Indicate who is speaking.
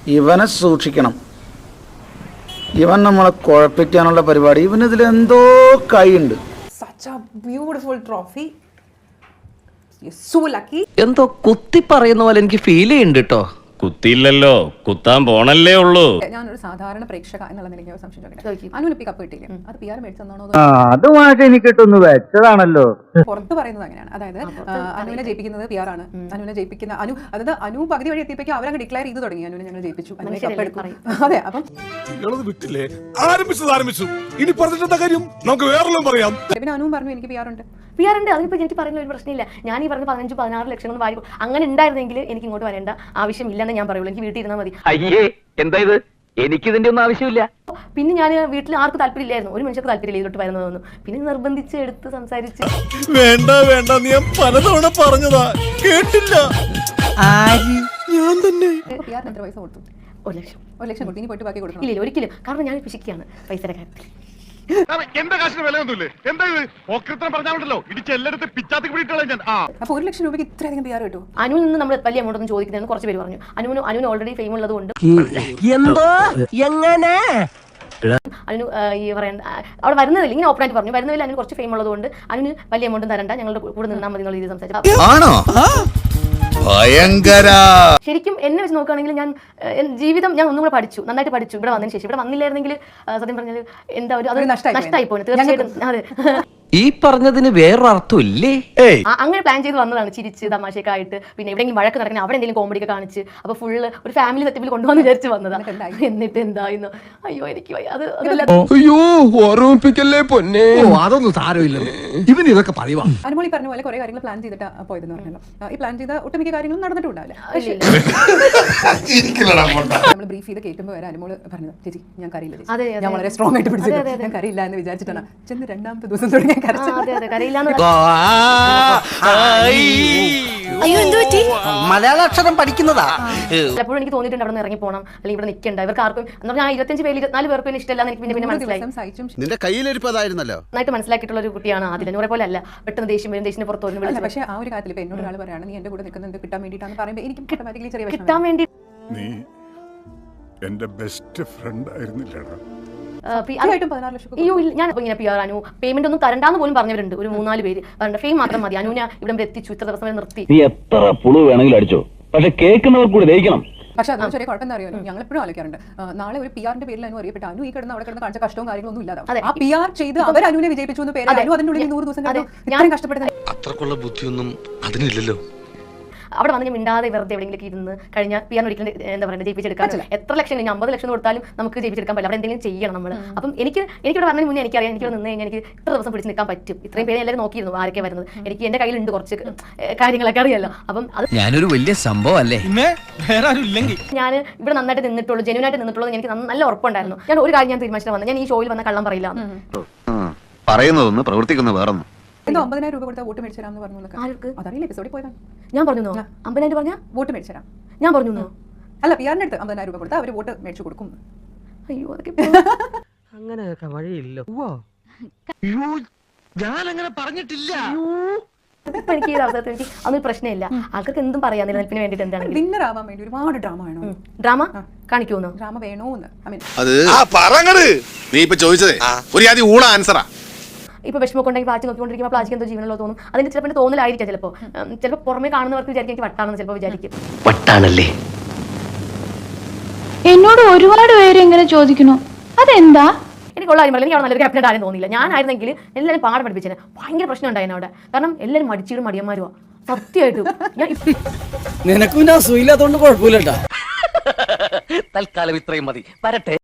Speaker 1: ഇവനെ സൂക്ഷിക്കണം. ഇവൻ നമ്മളെ കുഴപ്പിക്കാനുള്ള പരിപാടി. ഇവനിതിലെന്തോ കൈയുണ്ട്.
Speaker 2: Such a beautiful trophy. You're so lucky.
Speaker 3: എന്തോ കുത്തി പറയുന്ന പോലെ എനിക്ക് ഫീൽ ചെയ്യുന്നുണ്ട് കേട്ടോ.
Speaker 4: കുത്തിയില്ലല്ലോ, കുത്താൻ പോണല്ലേ ഉള്ളൂ.
Speaker 2: ഞാനൊരു സാധാരണ പ്രേക്ഷക എന്നുള്ള നിലയ്ക്ക് സംശയം ചോദിക്കട്ടെ. അനുവിന് കപ്പ് കിട്ടിയില്ലേ? അത് PR മേടിച്ചെന്നാണോ?
Speaker 1: അതുമായിട്ട് എനിക്കിട്ടൊന്ന് വെച്ചതാണല്ലോ.
Speaker 2: പുറത്ത് പറയുന്നത് അങ്ങനെയാണ്. അതായത് അനുവിനെ ജയിപ്പിക്കുന്നത് PR ആണ്. അനുവിനെ ജയിപ്പിക്കുന്ന അതായത് അനു പകുതി വഴി എത്തിയപ്പോൾ അവരങ്ങ് ഡിക്ലെയർ ചെയ്തു തുടങ്ങി. അനുവിനെ ഞങ്ങൾ ജയിപ്പിച്ചു, അനുവിനെ കപ്പെടുക്കും. അതെ, അപ്പം
Speaker 5: വിട്ടില്ലേ ആരംഭിച്ചു ഇനി പറഞ്ഞിട്ടെന്താ കാര്യം, നമുക്ക് വേറെല്ലാം പറയാം.
Speaker 2: പിന്നെ അനുവും പറഞ്ഞു എനിക്ക് PR ഉണ്ട്.
Speaker 6: PR ഉണ്ട്, അതിനിപ്പോൾ എനിക്ക് പറയുന്ന ഒരു പ്രശ്നമില്ല. ഞാൻ ഈ പറഞ്ഞ 15-16 ലക്ഷം വാരി അങ്ങനെ ഉണ്ടായിരുന്നെങ്കിൽ എനിക്ക് ഇങ്ങോട്ട് വരേണ്ട ആവശ്യമില്ലെന്ന് ഞാൻ പറയുള്ളൂ. എനിക്ക് വീട്ടിൽ ഇരുന്നാൽ മതി.
Speaker 3: അയ്യേ, എന്താ ഇത്? എനിക്കിതിന്റെ ഒന്നും ആവശ്യമില്ല.
Speaker 6: പിന്നെ ഞാൻ വീട്ടിൽ ആർക്കും താല്പര്യമില്ലായിരുന്നു, ഒരു മനുഷ്യർക്ക് താല്പര്യമില്ല ഇതിലോട്ട് വരുന്നതൊന്നും. പിന്നെ നിർബന്ധിച്ച് എടുത്ത് സംസാരിച്ച്
Speaker 5: വേണ്ട നീ പലതവണ പറഞ്ഞതാ, കേട്ടില്ല. ഞാൻ തന്നെ
Speaker 2: PR എത്ര പൈസ കൊടുത്തു?
Speaker 6: 1 ലക്ഷം.
Speaker 2: 1 ലക്ഷം കൊടുത്തു. ഇനി പോയിട്ട് ബാക്കി കൊടുക്കണം?
Speaker 6: ഇല്ല, ഒരിക്കലും. കാരണം ഞാൻ പിശിക്കുകയാണ് പൈസയുടെ കാര്യത്തിൽ.
Speaker 5: എന്റെ കാശിന് വിലയൊന്നുമില്ലേ? എന്താ ഇത് ഓക്രിത്രം പറഞ്ഞാലുണ്ടല്ലോ ഇടിച്ചെല്ലായിടത്ത് പിച്ചാത്തി പിടിയിട്ടുള്ള ഞാൻ.
Speaker 2: അപ്പോൾ 1 ലക്ഷം രൂപയ്ക്ക് ഇത്രയധികം PR കിട്ടും?
Speaker 6: അനുവിൽ നിന്ന് നമ്മൾ വലിയ എമൗണ്ട് ഒന്നും ചോദിക്കുന്നതെന്ന് കുറച്ച് പേര് പറഞ്ഞു. അനുവിന് ഓൾറെഡി ഫെയിം ഉള്ളത് കൊണ്ട്
Speaker 3: എന്തോ എങ്ങനെ
Speaker 6: അനു ഈ പറയേണ്ട അവിടെ വരുന്നതില്ല, ഇങ്ങനെ ഓപ്പണായിട്ട് പറഞ്ഞു, വരുന്നതിൽ അതിന് കുറച്ച് ഫെയിം ഉള്ളതുകൊണ്ട് അതിന് വലിയ എമൗണ്ടും തരണ്ട, ഞങ്ങളുടെ കൂടെ നിന്നാൽ മതി എന്നുള്ള രീതിയിൽ സംസാരിച്ചു.
Speaker 7: ആണോ? ഭയങ്കര.
Speaker 6: ശരിക്കും എന്നെ വെച്ച് നോക്കുകയാണെങ്കിൽ ഞാൻ ജീവിതം ഞാൻ ഒന്നും കൂടെ പഠിച്ചു, നന്നായിട്ട് പഠിച്ചു. ഇവിടെ വന്നതിന് ശേഷം ഇവിടെ വന്നില്ലായിരുന്നെങ്കിൽ സത്യം പറഞ്ഞാൽ എന്താ ഒരു അത് നഷ്ടമായി പോയി തീർച്ചയായിട്ടും. അതെ,
Speaker 3: ഈ പറഞ്ഞതിന് വേറൊരർത്ഥം ഇല്ലേ?
Speaker 6: അങ്ങനെ പ്ലാൻ ചെയ്ത് വന്നതാണ്, ചിരിച്ച് തമാശയൊക്കെ ആയിട്ട്. പിന്നെ എവിടെയെങ്കിലും വഴക്ക് നടക്കുന്ന അവിടെ എന്തെങ്കിലും കോമഡി ഒക്കെ കാണിച്ച് അപ്പോൾ ഫുള്ള് ഒരു ഫാമിലി സെറ്റപ്പിൽ കൊണ്ടുവന്ന് വിചാരിച്ച് വന്നതാണ്. എന്നിട്ട് എന്തായിരുന്നു? അയ്യോ എനിക്ക് അത്
Speaker 5: അയ്യോ ഓർമ്മിപ്പിക്കല്ലേ പൊന്നെ. അതൊന്നും സാരമില്ല, ഇവന് ഇതൊക്കെ പറയുവാ.
Speaker 2: അനുമോൾ ഈ പറഞ്ഞ പോലെ കുറെ കാര്യങ്ങൾ പ്ലാൻ ചെയ്തിട്ട് പോയതെന്ന് പറഞ്ഞല്ലോ. ഈ പ്ലാൻ ചെയ്ത ഒട്ടുമിക്ക കാര്യങ്ങളും നടന്നിട്ടുണ്ടാവില്ല. നമ്മൾ ബ്രീഫ് ചെയ്ത് കേൾക്കുമ്പോൾ വരെ അനുമോൾ പറഞ്ഞത് ചേച്ചി ഞാൻ കറിയില്ല, ഞാൻ വളരെ സ്ട്രോങ് ആയിട്ട് പിടിച്ചത്, ഞാൻ കറിയില്ല എന്ന് വിചാരിച്ചിട്ടാണ്. ചെന്ന് 2ാമത്തെ ദിവസം തുടങ്ങി
Speaker 3: മലയാള അക്ഷരം പഠിക്കുന്നതാ.
Speaker 6: ചിലപ്പോഴും എനിക്ക് തോന്നിയിട്ടുണ്ട് അവിടെ നിന്ന് ഇറങ്ങി പോകണം, അല്ലെങ്കിൽ ഇവിടെ നിൽക്കണ്ട. ഇവർക്ക് ആർക്കും എന്ന് പറഞ്ഞാൽ 25 പേര് 24 പേർക്കും ഇഷ്ടമല്ല എന്ന് എനിക്ക് പിന്നെ മനസ്സിലായി.
Speaker 7: നിന്റെ കയ്യിലിരിപ്പതായിരുന്നല്ലോ.
Speaker 6: നന്നായിട്ട് മനസ്സിലാക്കിയിട്ടുള്ള ഒരു കുട്ടിയാണ് ആദ്യം. നൂറെ പോലെ അല്ല പെട്ടെന്ന് ദേഷ്യം വരും, ദേഷ്യത്തിന് പുറത്ത് വരും.
Speaker 2: പക്ഷേ ആ ഒരു കാര്യത്തിൽ ഇപ്പൊ എന്നോട് ഒരാൾ പറയാണ് നീ എന്റെ കൂടെ നിൽക്കുന്നത് കിട്ടാൻ വേണ്ടിയിട്ടാണ് പറയുമ്പോൾ എനിക്ക് ഓട്ടോമാറ്റിക്കലി ചെറിയ
Speaker 6: കിട്ടാൻ വേണ്ടി.
Speaker 5: നീ എന്റെ ബെസ്റ്റ് ഫ്രണ്ട് ആയിരുന്നില്ലടാ.
Speaker 6: അയ്യോ ഞാൻ ഇങ്ങനെ PR അനു പേയ്മെന്റ് ഒന്നും തരണ്ടാന്ന് പോലും പറഞ്ഞവരുണ്ട്. ഒരു 3-4 പേര് പറഞ്ഞ ഫെയിം മാത്രം മതി, അനുവിനെ ഇവിടെ എത്തിച്ചു, ഇത്ര ദിവസം വരെ നിർത്തി.
Speaker 4: നീ എത്ര പുളു വേണമെങ്കിലും അടിച്ചോ, പക്ഷെ കേൾക്കുന്നവർ കൂടി ദഹിക്കണം.
Speaker 2: പക്ഷെ അതൊന്നും ചെറിയ കുഴപ്പം എന്താ അറിയാലോ, ഞങ്ങൾ എപ്പോഴും ആലോചിക്കാറുണ്ട് നാളെ ഒരു PR-ന്റെ പേരിൽ അനു അറിയപ്പെട്ട അനു ഈ കിടന്ന് അവിടെ കിടന്ന് കാണിച്ച കഷ്ടവും കാര്യങ്ങളൊന്നും ഇല്ലാതെ ആ PR ചെയ്ത് അവർ അനുവിനെ വിജയിപ്പിച്ചു എന്ന് പേര് അനു അതിനുള്ളിൽ 100 ദിവസം ഞാൻ കഷ്ടപ്പെടുന്നത്.
Speaker 7: അത്രക്കുള്ള ബുദ്ധിയൊന്നും അതിനില്ലല്ലോ.
Speaker 6: അവിടെ വന്ന് മിണ്ടാതെ വെറുതെ എവിടെയെങ്കിലും ഇരുന്ന് കഴിഞ്ഞാൽ PR ഒരിക്കലും എന്താ പറയുക ജയിപ്പിച്ചെടുക്കാൻ എത്ര ലക്ഷം 50 ലക്ഷം കൊടുത്താലും നമുക്ക് ജയിപ്പിച്ചെടുക്കാൻ പറ്റില്ല. അവിടെ എന്തെങ്കിലും ചെയ്യണം നമ്മൾ. അപ്പം എനിക്കിവിടെ പറഞ്ഞതിന് മുന്നേ എനിക്കറിയാം, എനിക്ക് നിന്ന് കഴിഞ്ഞാൽ എനിക്ക് ഇത്ര ദിവസം പിടിച്ച് നിൽക്കാൻ പറ്റും. ഇത്രയും പേര് എല്ലാവരും നോക്കിയിരുന്നു ആരൊക്കെ വരുന്നത്. എനിക്ക് എന്റെ കയ്യിലുണ്ട് കുറച്ച് കാര്യങ്ങളൊക്കെ അറിയാലോ. അപ്പം അത്
Speaker 3: ഞാനൊരു വലിയ സംഭവം അല്ലേ.
Speaker 6: ഞാൻ ഇവിടെ നന്നായിട്ട് നിന്നിട്ടുള്ളൂ, ജെന്യൂനായിട്ട് നിന്നിട്ടുള്ളൂ. എനിക്ക് നല്ല ഉറപ്പുണ്ടായിരുന്നു. ഞാൻ ഒരു കാര്യം ഞാൻ തീരുമാനിച്ചിട്ട് വന്നത്, ഞാൻ ഈ ഷോയിൽ വന്ന കള്ളം പറയില്ല.
Speaker 7: പറയുന്നതൊന്ന് പ്രവർത്തിക്കുന്ന വേറൊന്നും.
Speaker 2: എന്തോ 50,000 രൂപ കൊടുത്താൽ വോട്ട് മേടിച്ചരാന്ന് പറഞ്ഞു. അതറിയില്ല, എപ്പിസോഡിൽ പോയതാണ്.
Speaker 6: ഞാൻ പറഞ്ഞു 50,000 പറഞ്ഞാൽ
Speaker 2: വോട്ട് മേടിച്ചരാം.
Speaker 6: ഞാൻ പറഞ്ഞു
Speaker 2: അല്ല PR-ന്റെ അടുത്ത് 50,000 രൂപ കൊടുത്താൽ അവർ വോട്ട് മേടിച്ചു കൊടുക്കും.
Speaker 6: അയ്യോ അതൊക്കെ
Speaker 3: അങ്ങനെയൊക്കെ വഴിയില്ല. ഞാനങ്ങനെ പറഞ്ഞിട്ടില്ല.
Speaker 6: ഇപ്പൊ എനിക്ക് ഈ അവസരത്തിൽ എനിക്ക് അതൊരു പ്രശ്നമില്ല. ആൾക്കാർക്ക് എന്തും പറയാം നിലനിൽപ്പിന് വേണ്ടിട്ട്. എന്താണ്
Speaker 2: വിന്നർ ആവാൻ വേണ്ടി ഒരുപാട് ഡ്രാമ വേണോ?
Speaker 6: ഡ്രാമ കാണിക്കുമെന്നോ?
Speaker 2: ഡ്രാമ വേണോന്ന്
Speaker 7: അത് നീ ഇപ്പൊ ചോദിച്ചതേ ഒരു ആദ്യം ഊള ആൻസറാ.
Speaker 6: ഇപ്പൊ വിഷമൊക്കെ ഉണ്ടെങ്കിൽ പ്ലാസ്റ്റിക് നോക്കിക്കൊണ്ടിരിക്കുമ്പോൾ പ്ലാസ്റ്റിക് എന്തോ ജീവനുള്ളോ തോന്നും. അതിന്റെ ചിലപ്പോൾ തോന്നലായിരിക്കാം. ചിലപ്പോൾ പുറമെ കാണുന്നവർക്ക് വിചാരിക്കും എനിക്ക് വട്ടാണെന്ന് ചിലപ്പോൾ വിചാരിക്കും.
Speaker 3: വട്ടാണല്ലേ?
Speaker 8: എന്നോട് ഒരുപാട് പേര് ഇങ്ങനെ ചോദിക്കണു, അതെന്താ?
Speaker 6: എനിക്കുള്ള കാര്യം പറയില്ല, എനിക്ക് അവിടെ നല്ലൊരു ക്യാപ്റ്റൻ ആരും തോന്നിയില്ല. ഞാനായിരുന്നെങ്കിൽ എല്ലാവരും പാഠം പഠിപ്പിച്ചേനെ. ഭയങ്കര പ്രശ്നം ഉണ്ടായിരുന്നു അവിടെ. കാരണം എല്ലാവരും മടിച്ചീടും മടിയന്മാരുവാ സത്യമായിട്ടും.
Speaker 3: നിനക്കും അസുഖമില്ലാത്തോണ്ട് കുഴപ്പമില്ല. തൽക്കാലം ഇത്രയും മതി. വരട്ടെ.